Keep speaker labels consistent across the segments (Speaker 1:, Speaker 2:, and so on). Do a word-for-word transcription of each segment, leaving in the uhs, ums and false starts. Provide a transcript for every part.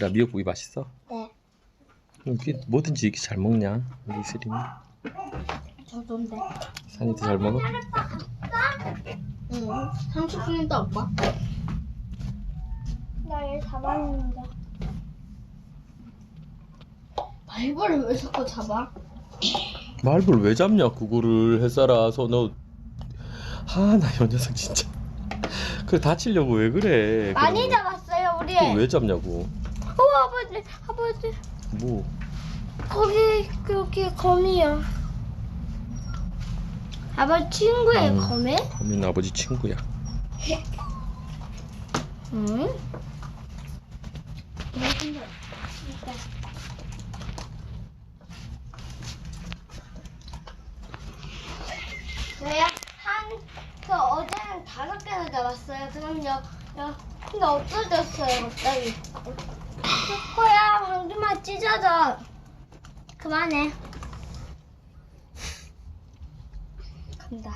Speaker 1: 이슬아, 미역국이 맛있어?
Speaker 2: 네.
Speaker 1: 이게 뭐든지 이렇게 잘 먹냐, 우리 이슬이는?
Speaker 2: 저던데.
Speaker 1: 산이도 잘 먹어?
Speaker 2: 응. 삼십 분이다 오빠. 나 얘 잡았는데. 발벌을 왜 자꾸 잡아?
Speaker 1: 말벌 왜 잡냐, 그거를 햇살아서. 너 아, 나 이 녀석 진짜. 그래, 다치려고 왜 그래?
Speaker 2: 많이
Speaker 1: 그러면.
Speaker 2: 잡았어요 우리.
Speaker 1: 그거 왜 잡냐고.
Speaker 2: 어 아버지 아버지
Speaker 1: 뭐
Speaker 2: 거기 여기 거미야. 아버지 친구예요
Speaker 1: 음.
Speaker 2: 거미?
Speaker 1: 거미는 아버지 친구야.
Speaker 2: 응? 저희가 한그 어제는 다섯 개나 잡았어요. 그럼요. 야, 근데 없어졌어요 갑자기. 초코야 방금만 찢어져. 그만해. 간다.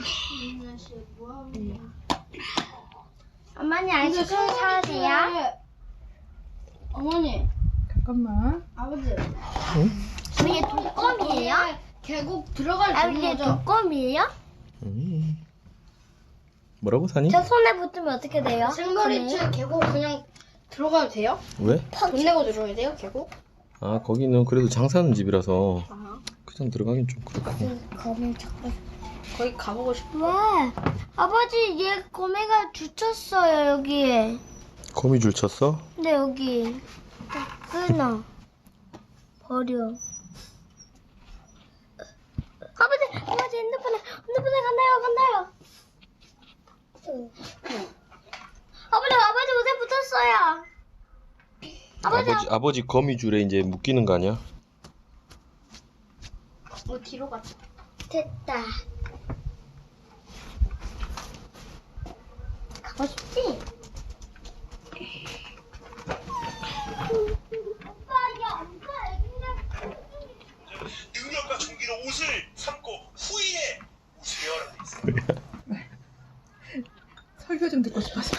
Speaker 2: 응. 어머니 아이스크림 사주세요. 어머니.
Speaker 3: 잠깐만.
Speaker 2: 아버지.
Speaker 1: 응?
Speaker 2: 이게 독거미예요?
Speaker 3: 계곡 들어갈
Speaker 2: 아 이게 독거미예요?
Speaker 1: 음. 뭐라고, 산이?
Speaker 2: 저 손에 붙으면 어떻게 돼요?
Speaker 3: 생머리채 계곡 그냥 들어가도 돼요?
Speaker 1: 왜?
Speaker 3: 돈 내고 들어가야 돼요 계곡?
Speaker 1: 아, 거기는 그래도 장사하는 집이라서
Speaker 3: 아.
Speaker 1: 그냥 들어가긴 좀 그렇고.
Speaker 2: 거미 찾고
Speaker 3: 거기 가보고 싶어.
Speaker 2: 왜? 아버지 얘 거미가 주쳤어요 여기에.
Speaker 1: 거미줄 쳤어?
Speaker 2: 근데 여기 끊어 버려. 아버지 아버지 핸드폰에 핸드폰에 간다요 간다요. 아버지 아버지 옷에 붙었어요. 아버지,
Speaker 1: 아버지 아버지 거미줄에 이제 묶이는 거 아니야?
Speaker 3: 어 뒤로 갔다.
Speaker 2: 됐다. 가고 싶지?
Speaker 4: 능력과 종기로 옷을 삼고 후일에 웃으며라 돼 있어요.
Speaker 3: 설교 좀 듣고 싶어서.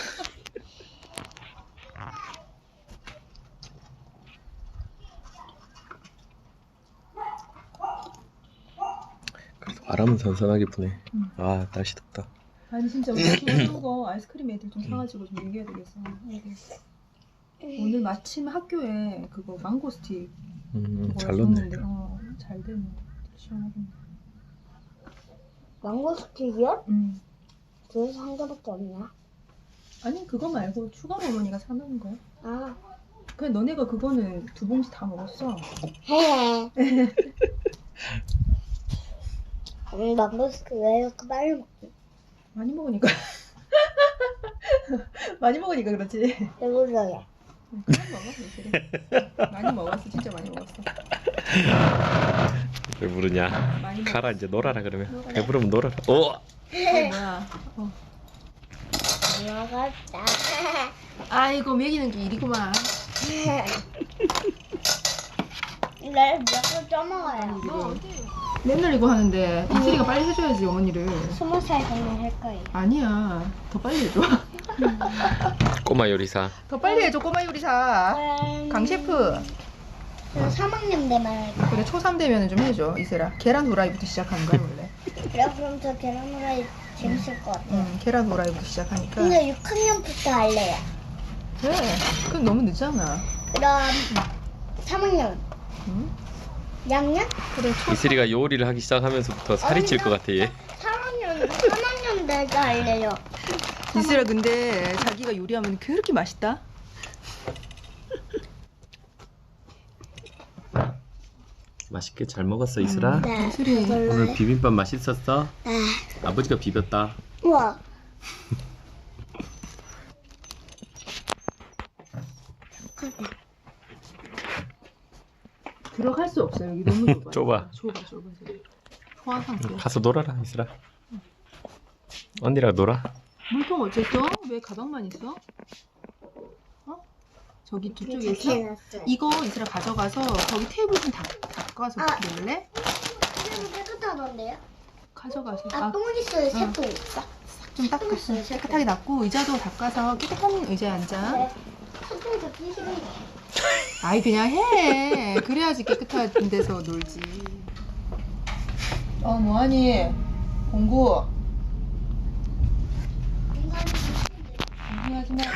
Speaker 1: 그래도 바람은 선선하게 부네.
Speaker 3: 응.
Speaker 1: 아, 날씨 덥다.
Speaker 3: 아니 진짜 우리 좋은 거 아이스크림 애들 좀 사가지고 좀 얘기해야 되겠어. 애들. 오늘 마침 학교에 그거 망고 스틱
Speaker 1: 음,
Speaker 3: 그거
Speaker 1: 잘 넣네.
Speaker 3: 줬는데, 어, 잘 됐네. 시원하겠네.
Speaker 2: 망고 스틱이요?
Speaker 3: 음.
Speaker 2: 그래서 한 개밖에 없나?
Speaker 3: 아니 그거 말고 추가로 어머니가 사놓은 거야.
Speaker 2: 아,
Speaker 3: 그냥 너네가 그거는 두 봉지 다 먹었어.
Speaker 2: 해. 음, 망고 스틱 왜 이렇게 빨리 먹지?
Speaker 3: 많이 먹으니까. 많이 먹으니까 그렇지.
Speaker 2: 배불러요.
Speaker 3: 그만 먹어, 사실. 많이 먹었어, 진짜 많이 먹었어.
Speaker 1: 왜 부르냐?
Speaker 3: 많이
Speaker 1: 가라, 이제 놀아라 그러면.
Speaker 3: 놀아라.
Speaker 1: 배부르면 놀아라. 오!
Speaker 3: 어, 뭐야? 어.
Speaker 2: 먹었다.
Speaker 3: 아이고 먹이는 게 일이구만.
Speaker 2: 날 몇개 떠먹어요.
Speaker 3: 맨날 이거 하는데 이슬이가 빨리 해줘야지 어머니를.
Speaker 2: 스무 살 되면 할 거예요.
Speaker 3: 아니야, 더 빨리 해줘.
Speaker 1: 꼬마 요리사.
Speaker 3: 더 빨리 해줘 꼬마 요리사. 강 셰프.
Speaker 2: 저 삼 학년 되면 할 거예요.
Speaker 3: 그래 초삼 되면은 좀 해줘 이슬아. 계란 후라이부터 시작하는 거야 원래.
Speaker 2: 그래, 그럼 저 계란 후라이 재밌을 것 같아요.
Speaker 3: 응, 계란 후라이부터 시작하니까.
Speaker 2: 근데 육 학년부터 할래요.
Speaker 3: 그래, 그럼 너무 늦잖아.
Speaker 2: 그럼 삼 학년,
Speaker 3: 응?
Speaker 2: 이 학년?
Speaker 3: 그래 초.
Speaker 1: 이슬이가 요리를 하기 시작하면서부터 살이 찔 것 같아, 얘.
Speaker 2: 삼 학년, 삼 학년 될때 할래요.
Speaker 3: 이슬아 근데 자기가 요리하면 그렇게 맛있다.
Speaker 1: 맛있게 잘 먹었어, 이슬아?
Speaker 2: 네.
Speaker 3: 이슬이
Speaker 1: 오늘 비빔밥 맛있었어?
Speaker 2: 네.
Speaker 1: 아버지가 비볐다.
Speaker 2: 우와.
Speaker 3: 들어갈 수 없어요. 여기 너무 좁아.
Speaker 1: 좁아.
Speaker 3: 좁아, 좁아, 좁아. 소화 상태.
Speaker 1: 가서 놀아라, 이슬아. 언니랑 놀아.
Speaker 3: 물통 어쨌어? 왜 가방만 있어? 어? 저기 저쪽에 있어?
Speaker 2: 해놨어요.
Speaker 3: 이거 이슬아 가져가서 거기 테이블 좀 닦, 닦아서
Speaker 2: 아.
Speaker 3: 그럴래?
Speaker 2: 이거 깨끗하던데요?
Speaker 3: 가져가서.
Speaker 2: 아, 똥 있어요,
Speaker 3: 응.
Speaker 2: 새똥.
Speaker 3: 좀 닦아.
Speaker 2: 있어요, 새똥.
Speaker 3: 깨끗하게 닦고 의자도 닦아서 깨끗한 의자에 앉아.
Speaker 2: 네. 새똥 잡기 싫은데.
Speaker 3: 아이 그냥 해. 그래야지 깨끗한 데서 놀지. 어 뭐하니? 공부. 공부하지 마.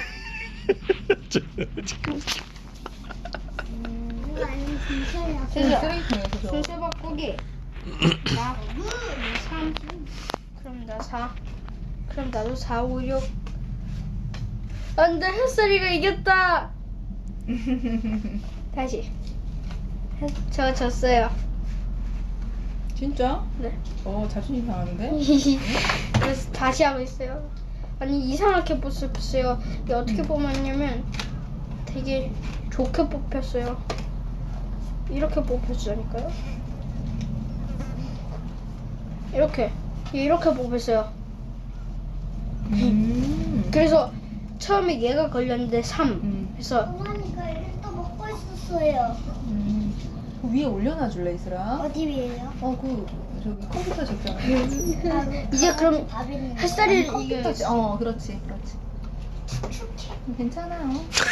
Speaker 2: 이거 아니면 진짜야.
Speaker 3: 쓰레기통에서 줘.
Speaker 2: 순서 바꾸기. 나 삼. 그럼 나 사. 그럼 나도 사, 오, 육. 안돼, 햇살이가 이겼다. 다시. 저 졌어요.
Speaker 3: 진짜?
Speaker 2: 네.
Speaker 3: 어 자존심 상하는데?
Speaker 2: 그래서 다시 하고 있어요. 아니 이상하게 뽑혔어요. 이게 어떻게 뽑았냐면 되게 좋게 뽑혔어요. 이렇게 뽑혔으니까요. 이렇게 이렇게 뽑혔어요.
Speaker 3: 음.
Speaker 2: 그래서 처음에 얘가 걸렸는데 삼.
Speaker 3: 음.
Speaker 2: 그래서
Speaker 5: 어머니가 이를 또 먹고 있었어요.
Speaker 3: 음. 그 위에 올려놔 줄래 이슬아?
Speaker 5: 어디 위에요?
Speaker 3: 어그 저기 컴퓨터 적잖아.
Speaker 2: 이제 그럼
Speaker 5: 밥 있는 거.
Speaker 2: 햇살이
Speaker 3: 컴퓨터
Speaker 2: 이게
Speaker 3: 어 그렇지 그렇지. 괜찮아요.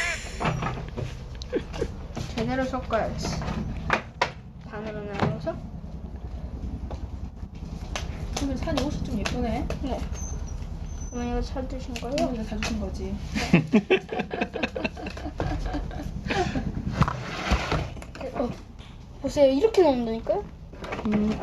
Speaker 2: 제대로 섞어야지. 반으로 나눠서.
Speaker 3: 오늘 산이 옷이 좀 예쁘네.
Speaker 2: 네. 어머니가 사드신 거예요?
Speaker 3: 어머니가 사주신 거지.
Speaker 2: 어, 보세요. 이렇게 넣는다니까요?
Speaker 3: 음.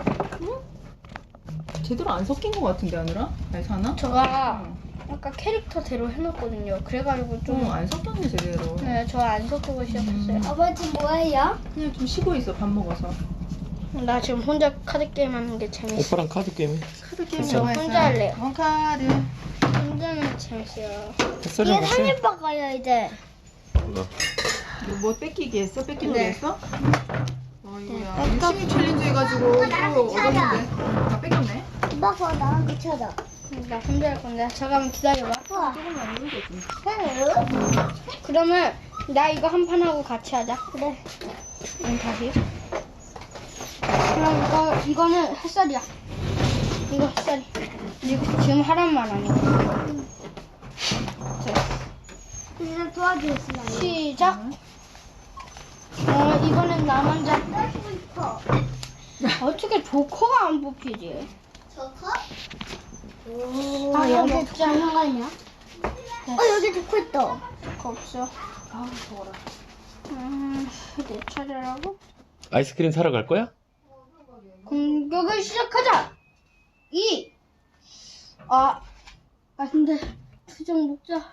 Speaker 3: 제대로 안 섞인 것 같은데 하느라? 아니 사나?
Speaker 2: 제가 아까 캐릭터대로 해놨거든요. 그래가지고 좀.
Speaker 3: 좀안 섞였네 제대로.
Speaker 2: 네, 저 안 섞고 시작했어요.
Speaker 5: 아버지 지금 뭐해요?
Speaker 3: 그냥 좀 쉬고 있어 밥 먹어서.
Speaker 2: 나 지금 혼자 카드 게임 하는 게 재밌어.
Speaker 1: 오빠랑 카드 게임해.
Speaker 3: 카드 게임
Speaker 2: 저
Speaker 3: 좋아했어.
Speaker 2: 혼자 할래요.
Speaker 3: 원카드.
Speaker 2: 혼자는 재밌어요.
Speaker 1: 햇살이랑
Speaker 5: 이게
Speaker 1: 같이.
Speaker 5: 삼일 바가요 이제.
Speaker 1: 어.
Speaker 3: 너 뭐 뺏기기 했어? 뺏기려고
Speaker 2: 네.
Speaker 3: 했어? 어이구야.
Speaker 5: 네.
Speaker 3: 열심히 챌린지 해가지고
Speaker 5: 나랑
Speaker 3: 또
Speaker 5: 같이 하자.
Speaker 3: 얻었는데 다 뺏겼네.
Speaker 5: 오빠가 나랑 같이 하자.
Speaker 2: 나 혼자 할 건데. 잠깐만 기다려봐.
Speaker 5: 우와.
Speaker 3: 조금만 이거지.
Speaker 5: 해요?
Speaker 2: 그러면 나 이거 한 판 하고 같이 하자.
Speaker 5: 그래.
Speaker 2: 응, 다시. 그럼 이거, 이거는 햇살이야. 이거 햇살이. 이거 지금 하란 말 아니야. 자,
Speaker 5: 이제 도와주겠습니다.
Speaker 2: 시작. 어, 이번엔 나 먼저.
Speaker 5: 하고 싶어.
Speaker 2: 어떻게 조커가 안 뽑히지?
Speaker 5: 저거?
Speaker 2: 아,
Speaker 5: 여기
Speaker 2: 여기
Speaker 5: 조커 있는 거 아니야? 어 여기 조커 있다.
Speaker 2: 조커 없어.
Speaker 3: 아우 더워라.
Speaker 2: 음, 내 차례라고?
Speaker 1: 아이스크림 사러 갈 거야?
Speaker 2: 공격을 시작하자. 이. 아, 아 근데 투정 먹자.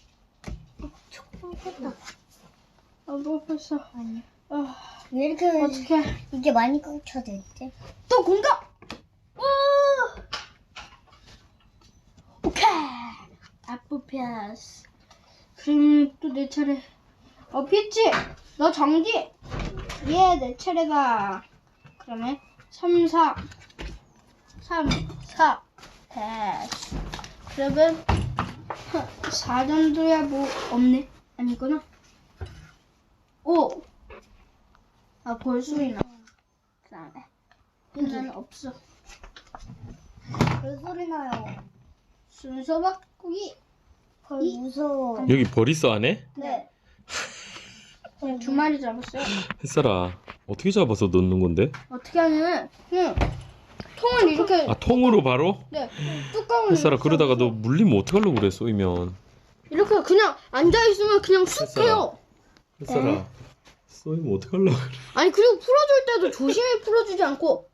Speaker 2: 아, 뭐 벌써.
Speaker 5: 아니.
Speaker 2: 아,
Speaker 5: 왜 이렇게
Speaker 2: 어떻게?
Speaker 5: 이게 많이 꽂혀져 있지?
Speaker 2: 또 공격. 우! 오케이. 아프 패스. 그럼 또 내 차례. 어, 피치. 너 정지. 예, 내 차례다. 그러면 삼, 사. 삼, 사. 패스. 그러면 사 정도야 뭐 없네. 아니구나. 오. 아, 볼수있나. 그 다음에. 이는 없어.
Speaker 5: 왜 소리 나요?
Speaker 2: 순서 바꾸기.
Speaker 5: 헐 무서워.
Speaker 1: 여기 벌 있어 안에?
Speaker 5: 네.
Speaker 2: 그냥 두 마리 잡았어요.
Speaker 1: 햇살아 어떻게 잡아서 넣는 건데?
Speaker 2: 어떻게 하냐면 그냥 통을 이렇게
Speaker 1: 아 통으로 바로?
Speaker 2: 네 뚜껑을
Speaker 1: 햇살아
Speaker 2: 이렇게
Speaker 1: 그러다가 너
Speaker 2: 닫고
Speaker 1: 물리면 어떡하려고 그래 쏘이면.
Speaker 2: 이렇게 그냥 앉아 있으면 그냥 쑥
Speaker 1: 햇살아.
Speaker 2: 해요.
Speaker 1: 햇살아 쏘이면 어떡하려고 그래.
Speaker 2: 아니 그리고 풀어줄 때도 조심히 풀어주지 않고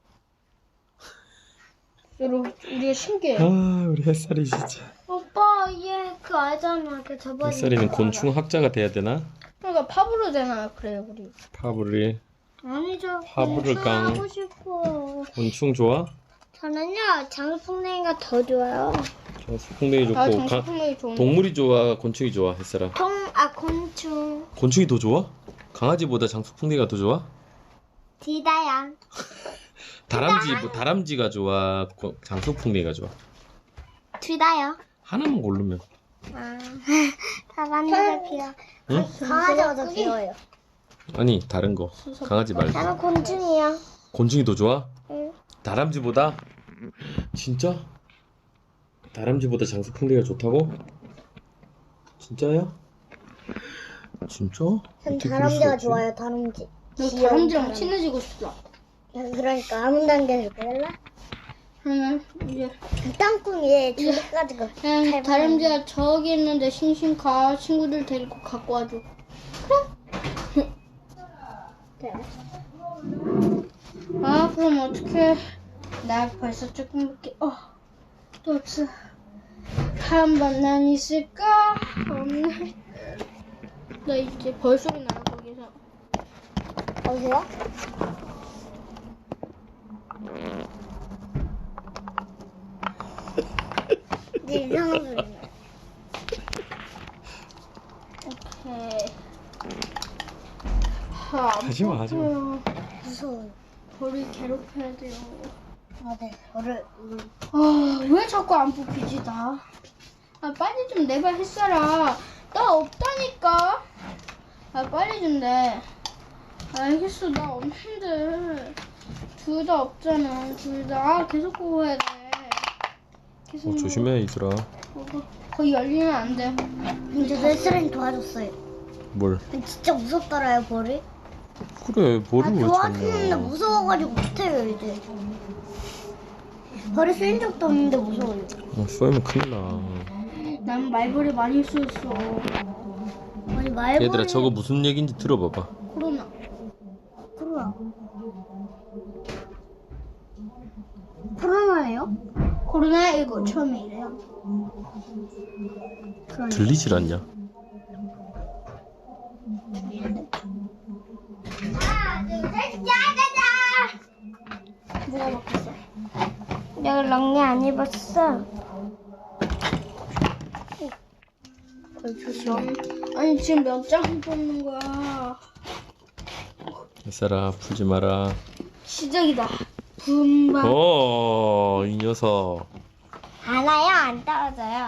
Speaker 2: 여러분 우리가 신기해.
Speaker 1: 아 우리 햇살이 진짜.
Speaker 5: 오빠 얘 그 알잖아. 그 저번에.
Speaker 1: 햇살이는 곤충 학자가 돼야 되나?
Speaker 2: 그러니까 파브로 되나 그래요 우리.
Speaker 1: 파브리
Speaker 5: 아니죠.
Speaker 1: 파브를
Speaker 5: 곤충
Speaker 1: 깡.
Speaker 5: 하고 싶어.
Speaker 1: 곤충 좋아?
Speaker 5: 저는요 장수풍뎅이가 더 좋아요.
Speaker 1: 장수풍뎅이 좋고
Speaker 2: 아
Speaker 1: 가-
Speaker 2: 정수풍뎅이 좋은데.
Speaker 1: 동물이 좋아 곤충이 좋아 햇살아?
Speaker 5: 통, 아 곤충.
Speaker 1: 곤충이 더 좋아? 강아지보다 장수풍뎅이가 더 좋아?
Speaker 5: 디다양.
Speaker 1: 다람쥐 뭐 다람쥐가 좋아 고- 장수풍뎅이가 좋아?
Speaker 5: 디다요.
Speaker 1: 하나만 고르면.
Speaker 5: 아, 강아지가 귀여워.
Speaker 1: 응?
Speaker 5: 강아지가 더 귀여워요.
Speaker 1: 아니 다른 거 강아지 말고.
Speaker 5: 나는 곤충이야.
Speaker 1: 곤충이 더 좋아?
Speaker 5: 응.
Speaker 1: 다람쥐보다? 진짜? 다람쥐보다 장수풍뎅이가 좋다고? 진짜야? 진짜?
Speaker 5: 전
Speaker 1: 어떻게 그럴 수가
Speaker 5: 다람쥐가
Speaker 1: 없지?
Speaker 5: 좋아요, 다람쥐.
Speaker 2: 너
Speaker 5: 귀여운
Speaker 2: 다람쥐랑
Speaker 5: 다람쥐.
Speaker 2: 친해지고 싶다.
Speaker 5: 그러니까 아무 단계에서 그럴라?
Speaker 2: 그러면 이제
Speaker 5: 땅콩이 주먹까지 가.
Speaker 2: 그냥 다람쥐가 저기 있는데 싱싱가 친구들 데리고 갖고 와줘.
Speaker 5: 그래.
Speaker 2: 아 그럼 어떡해. 나 벌써 조금밖에 어 또 없어. 한 번 난 있을까? 없네. 나 이제 벌소리 나요 거기서.
Speaker 5: 어디요? 네, 이상한 소리 나.
Speaker 2: 오케이. 아,
Speaker 1: 하지마, 하지마.
Speaker 2: 아파요.
Speaker 5: 무서워요.
Speaker 2: 벌을 괴롭혀야 돼요.
Speaker 5: 아, 네. 저를 음,
Speaker 2: 아, 왜 자꾸 안 뽑히지, 나? 아, 빨리 좀 내봐, 햇살아. 나 없다니까? 아, 빨리 좀 내. 알겠어, 나 없는데. 둘 다 없잖아, 둘 다. 아, 계속 뽑아야 돼. 계속.
Speaker 1: 어, 조심해 이슬아.
Speaker 2: 뽑아. 거의 열리면 안 돼.
Speaker 5: 근데 햇살이 도와줬어요.
Speaker 1: 뭘?
Speaker 5: 진짜 무섭더라요, 벌이.
Speaker 1: 그래
Speaker 5: 아,
Speaker 1: 벌을 왜
Speaker 5: 도와주는데
Speaker 1: 찾냐?
Speaker 5: 무서워가지고 못해요, 이제. 벌이 쓰인 적도 없는데 무서워요.
Speaker 1: 어, 쏘이면 큰일 나.
Speaker 2: 난 말벌이 많이 쓰였어.
Speaker 5: 아니, 말벌이.
Speaker 1: 얘들아 저거 무슨 얘기인지 들어봐봐.
Speaker 2: 코로나.
Speaker 5: 코로나. 코로나예요?
Speaker 2: 코로나십구 처음이래요.
Speaker 5: 그러니까.
Speaker 1: 들리질 않냐?
Speaker 2: 뭐가 바뀌었어?
Speaker 5: 내가 랑리 안 입었어.
Speaker 2: 아니 지금 몇 장 뽑는 거야?
Speaker 1: 햇살아 풀지 마라.
Speaker 2: 시작이다. 분발.
Speaker 1: 어, 이 녀석.
Speaker 5: 안 와요, 안 떨어져요.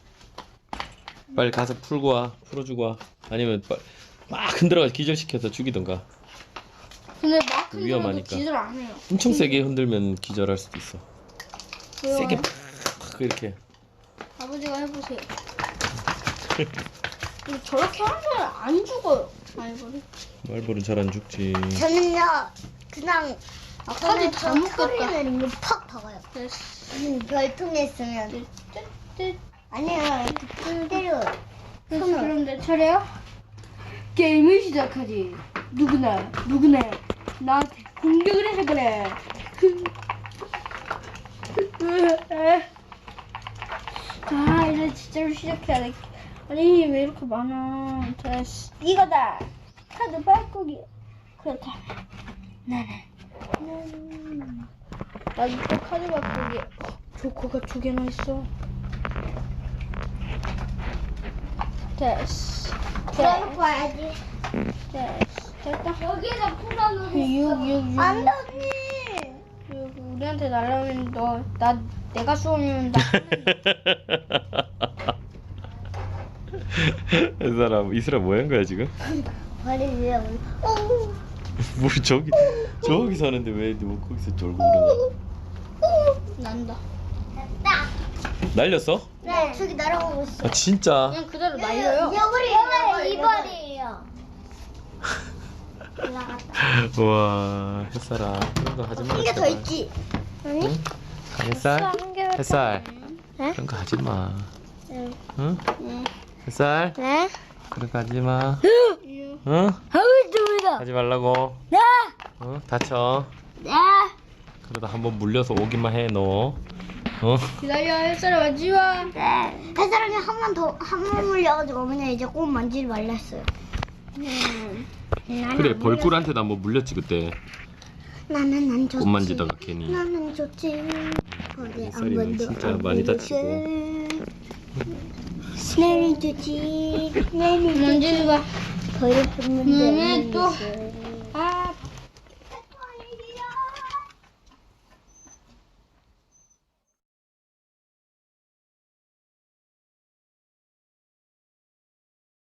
Speaker 1: 빨리 가서 풀고 와. 풀어주고 와. 아니면 빨- 막 흔들어가지고 기절시켜서 죽이던가.
Speaker 2: 근데 막 흔들어도
Speaker 1: 위험하니까.
Speaker 2: 기절 안 해요.
Speaker 1: 엄청 세게 흔들면 기절할 수도 있어.
Speaker 2: 왜요?
Speaker 1: 세게 팍 이렇게.
Speaker 2: 아버지가 해보세요. 근데 저렇게 하면 안 죽어요. 말벌이.
Speaker 1: 말벌은 잘 안 죽지.
Speaker 5: 저는요, 그냥
Speaker 2: 아 카드 다
Speaker 5: 소리
Speaker 2: 묶였다.
Speaker 5: 내는 거 팍 박아요.
Speaker 2: 됐어.
Speaker 5: 음, 별통에 있으면.
Speaker 2: 뜯뜯.
Speaker 5: 아니요, 이렇게 때려요.
Speaker 2: 됐어. 그럼 내 차례야? 게임을 시작하지. 누구나 누구나 나한테 공격을 해서 그래. 아 이제 진짜로 시작해야 돼. 아니 왜 이렇게 많아. 됐어. 이거다. 카드 바꾸기. 그렇다. 나는 음, 나도 또 카드 바꾸기. 어, 조커가 두 개나 있어. 됐어.
Speaker 5: 풀어놓고 와야지.
Speaker 2: 됐어. 됐다.
Speaker 5: 여기에다 풀어놓고.
Speaker 2: 육, 육, 육.
Speaker 5: 안 돼, 언니.
Speaker 2: 육. 우리한테 날라오면 너, 나, 내가 쏘면 나.
Speaker 1: 이 사람 이슬아 뭐 한 거야 지금?
Speaker 5: 머리 위에 올. 오.
Speaker 1: 뭘 저기 저기 사는데 왜 너 거기서 쫄고 그러냐?
Speaker 2: 난다.
Speaker 5: 됐다.
Speaker 1: 날렸어?
Speaker 5: 네, 저기 날아오고 있어.
Speaker 1: 아 진짜?
Speaker 2: 그냥 그대로 날려요.
Speaker 5: 여벌이, 여벌, 이벌이에요. 올라갔다.
Speaker 1: 와 햇살아 그런 거 하지 마.
Speaker 5: 한 개 더 있지? 아니?
Speaker 1: 응? 햇살? 햇살
Speaker 5: 네?
Speaker 1: 그런 거 하지 마.
Speaker 5: 응.
Speaker 1: 응?
Speaker 2: 응.
Speaker 1: 햇살
Speaker 5: 네?
Speaker 1: 그런 거 하지 마.
Speaker 2: 육.
Speaker 1: 응?
Speaker 5: 하고 있습니다.
Speaker 1: 하지 말라고.
Speaker 5: 네.
Speaker 1: 응? 다쳐.
Speaker 5: 네.
Speaker 1: 그러다 한번 물려서 오기만 해 너. 어?
Speaker 2: 기다려, 햇살아, 맞지 마.
Speaker 5: 네. 햇사람이 한 번 더, 한 번 물려가지고 어머니 이제 꼭 만지지 말랬어요.
Speaker 2: 음.
Speaker 1: 그래 벌꿀한테도 한번 물렸지 그때.
Speaker 5: 나는 안 좋지.
Speaker 1: 꽃 만지다가 괜히.
Speaker 5: 나는 좋지. 벌이 안
Speaker 1: 햇살이는
Speaker 5: 번도
Speaker 1: 진짜
Speaker 5: 안
Speaker 1: 많이
Speaker 5: 물렸어.
Speaker 1: 다치고.
Speaker 5: 나는 좋지. 나는
Speaker 2: 만지지 마.
Speaker 5: 벌이 한 번도 안
Speaker 2: 그러면 또
Speaker 5: 물렸어.